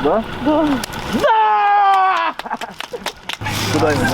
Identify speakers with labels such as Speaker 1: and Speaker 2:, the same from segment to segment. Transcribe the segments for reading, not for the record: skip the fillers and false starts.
Speaker 1: Да?
Speaker 2: Да.
Speaker 1: Да! Куда ему?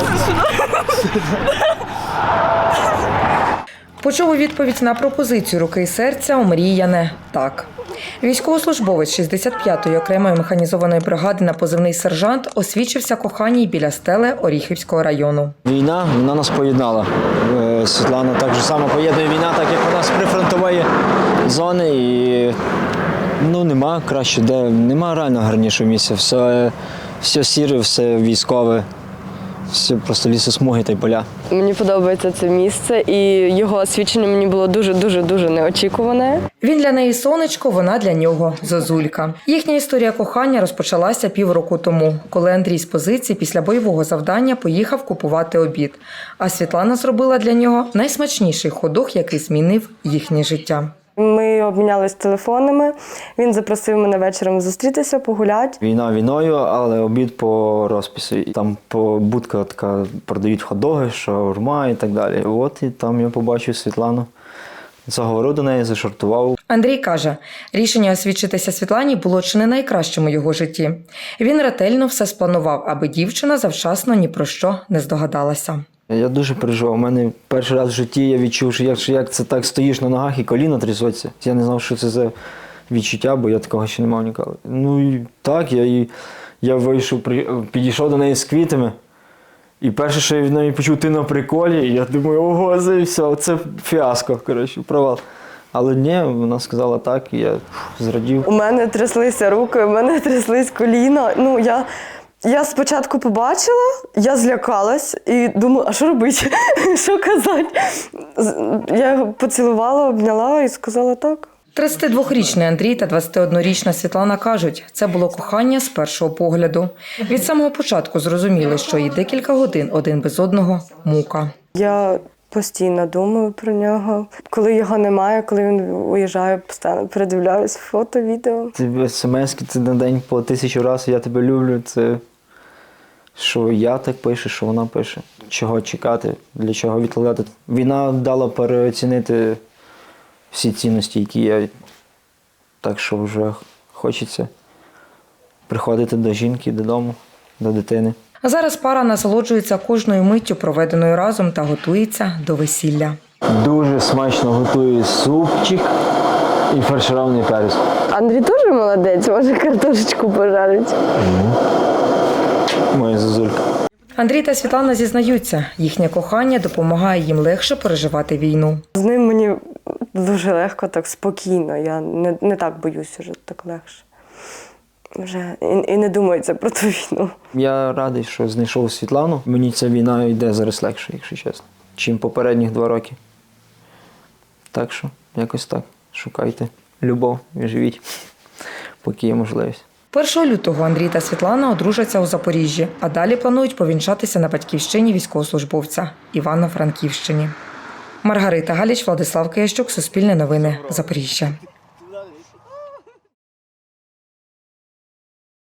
Speaker 3: Почув у відповідь на пропозицію руки і серця омріяне «так». Військовослужбовець 65-ї окремої механізованої бригади на позивний «Сержант» освідчився коханій біля стели Оріхівського району.
Speaker 4: Війна, вона нас поєднала. Світлана так же само поєднує війна, так як вона з прифронтової зони. І нема краще, нема реально гарнішого місця. Все сіре, все військове, все просто лісосмуги та й поля.
Speaker 2: Мені подобається це місце, і його освідчення мені було дуже неочікуване.
Speaker 3: Він для неї сонечко, вона для нього зозулька. Їхня історія кохання розпочалася півроку тому, коли Андрій з позиції після бойового завдання поїхав купувати обід. А Світлана зробила для нього найсмачніший ходох, який змінив їхнє життя.
Speaker 2: Ми обмінялись телефонами, він запросив мене вечором зустрітися, погуляти.
Speaker 4: Війна війною, але обід по розпису. Там будка така, продають хот-доги, шаурма і так далі. От і там я побачив Світлану. Заговорив до неї, зашартував.
Speaker 3: Андрій каже, рішення освідчитися Світлані було чи не найкращим у його житті. Він ретельно все спланував, аби дівчина завчасно ні про що не здогадалася.
Speaker 4: Я дуже переживав. У мене перший раз в житті я відчув, що як це так стоїш на ногах і коліна трясуться. Я не знав, що це за відчуття, бо я такого ще не мав ніколи. Ну і так, я вийшов, підійшов до неї з квітами. І перше, що я від неї почув, ти на приколі, і я думаю, ого, це все, це фіаско, коротше, провал. Але ні, вона сказала так, і я зрадів.
Speaker 2: У мене тряслися руки, у мене тряслись коліна. Я спочатку побачила, я злякалась і думаю, а що робити, що казати? Я його поцілувала, обняла і сказала так.
Speaker 3: 32-річний Андрій та 21-річна Світлана кажуть, це було кохання з першого погляду. Від самого початку зрозуміли, що і декілька годин один без одного – мука.
Speaker 2: Я постійно думаю про нього. Коли його немає, коли він уїжджає, постійно передивляюсь фото, відео.
Speaker 4: Це смс-ки, це на день по 1000 разів «я тебе люблю», це що я так пишу, що вона пише. Чого чекати, для чого відкладати. Війна дала переоцінити всі цінності, які є. Так що вже хочеться приходити до жінки, додому, до дитини.
Speaker 3: А зараз пара насолоджується кожною миттю, проведеною разом, та готується до весілля.
Speaker 4: Дуже смачно готую супчик і фарширований перець.
Speaker 2: Андрій теж молодець, може картошечку пожарить.
Speaker 4: Моя зозулька.
Speaker 3: Андрій та Світлана зізнаються, їхнє кохання допомагає їм легше переживати війну.
Speaker 2: З ним мені дуже легко, так спокійно. Я не так боюсь вже, так легше. Вже і не думається про ту війну.
Speaker 4: Я радий, що знайшов Світлану. Мені ця війна йде зараз легше, якщо чесно, чим попередніх 2 роки. Так що, якось так. Шукайте любов і живіть, поки є можливість.
Speaker 3: 1 лютого Андрій та Світлана одружаться у Запоріжжі, а далі планують повінчатися на батьківщині військовослужбовця – Івано-Франківщині. Маргарита Галіч, Владислав Киящук, Суспільне новини, Запоріжжя.